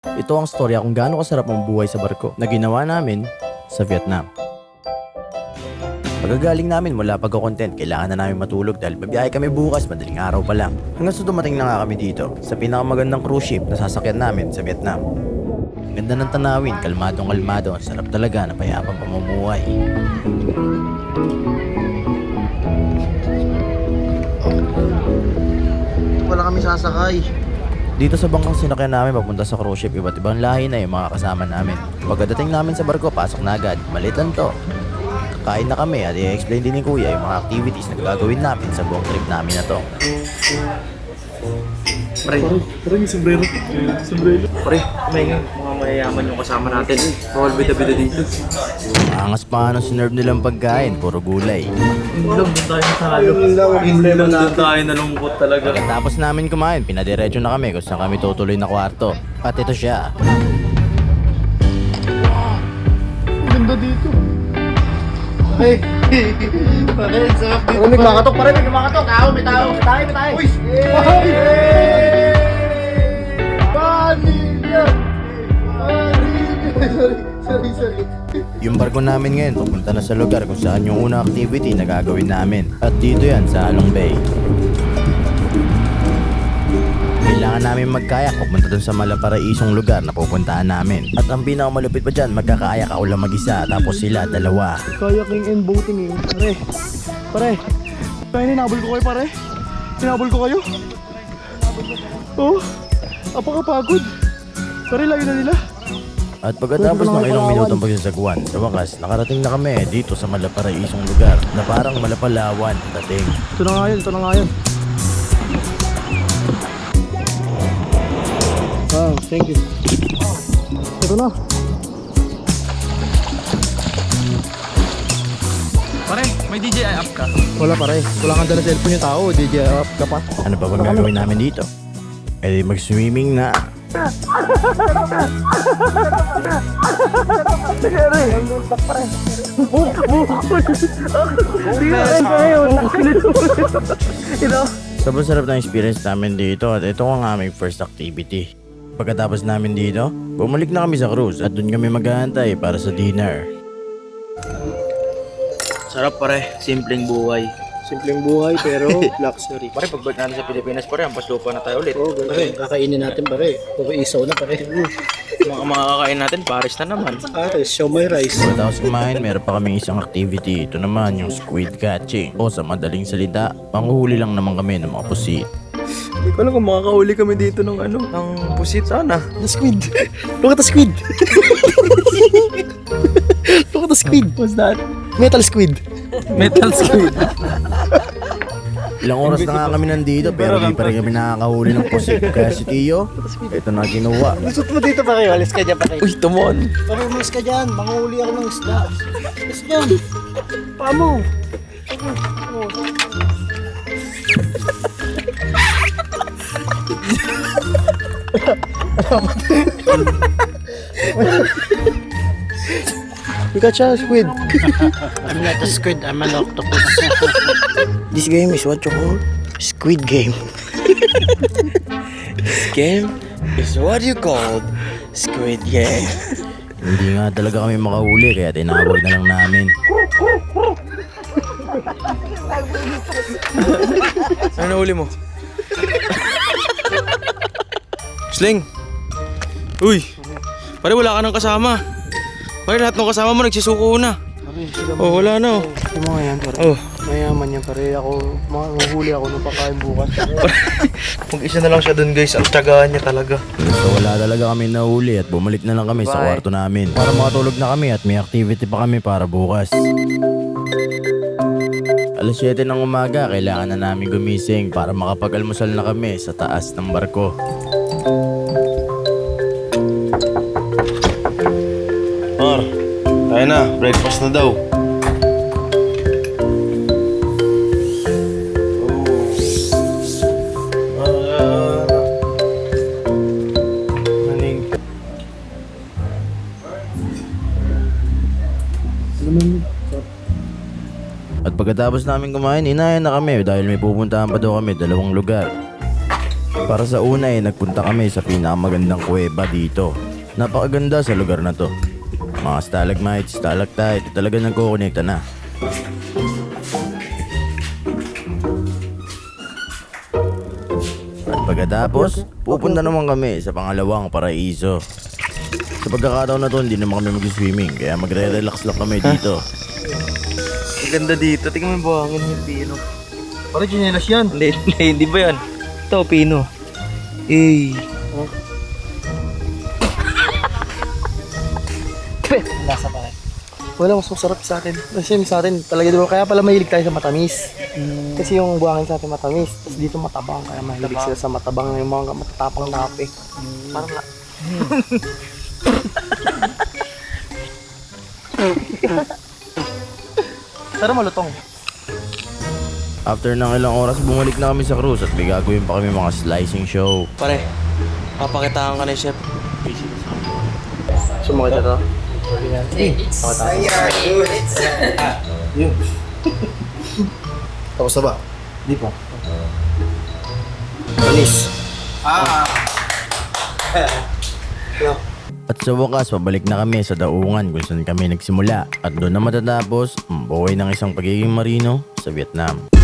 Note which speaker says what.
Speaker 1: Ito ang storya kung gaano kasarap ang buhay sa barko na ginawa namin sa Vietnam. Pagkagaling namin mula pagko-content, kailangan na namin matulog dahil mabiyahe kami bukas, madaling araw pa lang. Hanggang sa dumating na nga kami dito sa pinakamagandang cruise ship na sasakyan namin sa Vietnam. Ganda ng tanawin, kalmadong-kalmado, sarap talaga na payapang pamumuhay.
Speaker 2: Wala kami sasakay.
Speaker 1: Dito sa bangkang sinakyan namin papunta sa cruise ship, iba't ibang lahi na yung mga kasama namin. Pagkadating namin sa barko, pasok na agad. Malit lang to. Kakain na kami at i-explain din ni Kuya yung mga activities na gagawin namin sa buong trip namin na to.
Speaker 2: Pre,
Speaker 3: Parang yung sombrero. Sombrero.
Speaker 2: pre, mga mayayaman yung kasama natin. Bawal bida-bida dito.
Speaker 1: Angas pa ng sinerve nilang pagkain, puro gulay.
Speaker 2: Doon tayo natalo. Doon tayo nalungkot talaga.
Speaker 1: Pagkatapos namin kumain, pinadiretso na kami kung saan kami tutuloy na kwarto. At ito siya.
Speaker 3: Ganda dito.
Speaker 2: Ay, pare, sarap dito. May kumakatok, pare, may kumakatok. May tao. Uy!
Speaker 3: Vanilla! Sorry.
Speaker 1: Yung barko namin ngayon pupunta na sa lugar kung saan yung unang activity na gagawin namin. At dito yan sa Halong Bay. Kailangan namin magkayak papunta dun sa malaparaisong lugar na pupuntaan namin. At ang pinakamalupit pa dyan, magkakayak ako lang mag-isa tapos sila dalawa.
Speaker 3: Kayaking and boating eh. Pare. Kaya ninabol ko kayo pare. Ninabol ko kayo. Oh. Apakapagod. Pare, layo na nila.
Speaker 1: At pagkatapos ng ilang minutong pagsasagwan, sa wakas, nakarating na kami dito sa malaparaisong lugar na parang malapalawan ang dating.
Speaker 3: Ito na nga yun. Wow, thank you. Ito na.
Speaker 2: Pare, may DJI app ka.
Speaker 3: Wala pare. Wala kang dala cellphone yung tao. DJ up ka pa.
Speaker 1: Ano pa bang gagawin namin dito? Eh di mag-swimming na. Sobrang sarap ng experience namin dito at ito ang aming first activity. Pagkatapos namin dito, bumalik na kami sa cruise at doon kami maghahantay para sa dinner.
Speaker 2: Sarap pare, simpleng buhay.
Speaker 3: Simpleng buhay pero luxury.
Speaker 2: Pare, pagbalik natin sa Pilipinas pare, ang paslupa na tayo ulit.
Speaker 3: Oh, pare, kakainin natin pare. Puro isaw na pare.
Speaker 2: Mga kakain natin, Paris na naman.
Speaker 3: Pare, show my rice.
Speaker 1: Pagkatapos kumain, meron pa kaming isang activity. Ito naman yung squid catching. O sa madaling salita, panghuhuli lang naman kami ng mga pusit.
Speaker 2: Hindi ko alam kung makakauli kami dito ng ng pusit sana.
Speaker 3: The squid. Look at the squid. Look at the squid.
Speaker 2: What's that?
Speaker 3: Metal squid.
Speaker 2: Metal squid.
Speaker 1: Ilang oras na nga kami nandito pero hindi pa rin kami nakakahuli ng pusit. Kaya si Tio, ito na kinuha.
Speaker 3: Lusot mo dito pare. Alis ka dyan pare.
Speaker 2: Uy, tumon.
Speaker 3: Pare, umalis ka dyan. Manguhuli ako ng isda. Alis dyan. Paa mo. You got your squid.
Speaker 4: I'm not a squid, I'm an octopus. This game is what you call Squid Game. This game is what you call Squid Game.
Speaker 1: Hindi nga talaga kami makahuli kaya tinawag na lang namin.
Speaker 2: Ano nahuli mo? Sling! Uy! Pare, wala ka nang kasama. Pare, lahat ng kasama mo nagsisuko na. Oh, wala na oh.
Speaker 3: Yung mga yan pare.
Speaker 2: Oh.
Speaker 3: Mayaman yan pare. Ako, manguhuli ako ng pagkain bukas.
Speaker 2: Mag-isa na lang siya dun guys. Ang tiyagaan niya talaga.
Speaker 1: So wala talaga kami nahuli at bumalik na lang kami sa kwarto namin. Para makatulog na kami at may activity pa kami para bukas. Alas 7 ng umaga, kailangan na namin gumising para makapag-almusal na kami sa taas ng barko.
Speaker 5: Mar, tayo na. Breakfast na daw. Maning.
Speaker 1: At pagkatapos namin kumain, inayan na kami dahil may pupuntahan pa daw kami 2 lugar. Para sa una nagpunta kami sa pinakamagandang kuweba dito. Napakaganda sa lugar na to. Mga stalagmites, stalactite, talaga nagkukonekta na. At pagkatapos, pupunta naman kami sa pangalawang paraiso. Sa pagkakataon na to, hindi naman kami mag-swimming, kaya magre-relax lang kami dito.
Speaker 2: Ang ganda dito. Tingnan mo yung buhangin yung pino.
Speaker 3: Pare, chinelas yan.
Speaker 2: Hindi ba yan? Ito, pino. Eh.
Speaker 4: Lasa pa rin.
Speaker 3: Wala, mas masarap sa atin. Kasi sa atin, talaga diba, kaya pala mahilig tayo sa matamis. Kasi yung buhangin sa atin matamis, tapos dito matabang, kaya mahilig sila sa matabang yung mga matatapang na kape. Parang nga. Pero malutong.
Speaker 1: After ng ilang oras, bumalik na kami sa cruise at may gagawin pa kami mga slicing show.
Speaker 2: Pare, papakitaan ka ni Chef.
Speaker 3: Sumakit ito. Tapos na ba? Di pa. Alis.
Speaker 1: At sa wakas, pabalik na kami sa daungan kung saan kami nagsimula. At doon na matatapos ang buhay ng isang pagiging marino sa Vietnam.